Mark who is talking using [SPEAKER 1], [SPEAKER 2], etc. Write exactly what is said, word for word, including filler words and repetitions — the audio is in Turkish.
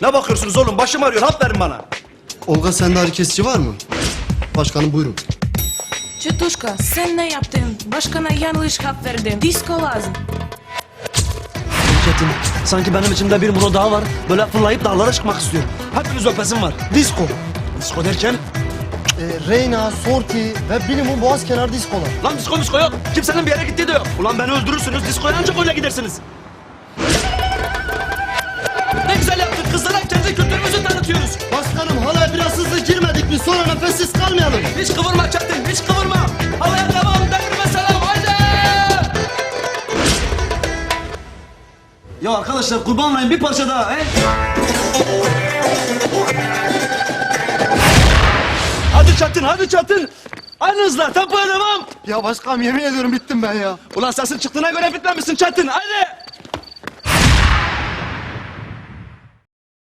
[SPEAKER 1] Ne bakıyorsunuz oğlum? Başım ağrıyor. Hap verin bana.
[SPEAKER 2] Olga sende ağrı kesici var mı? Başkanım buyurun.
[SPEAKER 3] Çetuşka sen ne yaptın? Başkana yanlış hap verdin. Disko lazım.
[SPEAKER 1] Çetin, sanki benim içimde bir Murat daha var. Böyle fırlayıp dağlara çıkmak istiyor. Hepiniz öpesim var.
[SPEAKER 2] Disco.
[SPEAKER 1] Disko derken?
[SPEAKER 2] Ee, Reyna, Sorti ve Bilimum Boğaz Kenar diskolar.
[SPEAKER 1] Lan disko disko yok. Kimsenin bir yere gittiği de yok. Ulan beni öldürürsünüz. Diskoya ancak öyle gidersiniz. Ne güzel yaptık. Kızlara kendi kültürümüzü tanıtıyoruz.
[SPEAKER 2] Başkanım halaya biraz hızlı girmedik mi? Sonra nefessiz kalmayalım.
[SPEAKER 1] Hiç kıvırma Çetin, hiç kıvırma. Havaya devam, devrime selam, haydi! Ya arkadaşlar kurban olayım bir parça daha, he? Hadi Çetin, hadi Çetin. Aynı hızla, tempoya devam.
[SPEAKER 2] Ya başkanım yemin ediyorum bittim ben ya.
[SPEAKER 1] Ulan sesin çıktığına göre bitmemişsin Çetin, haydi!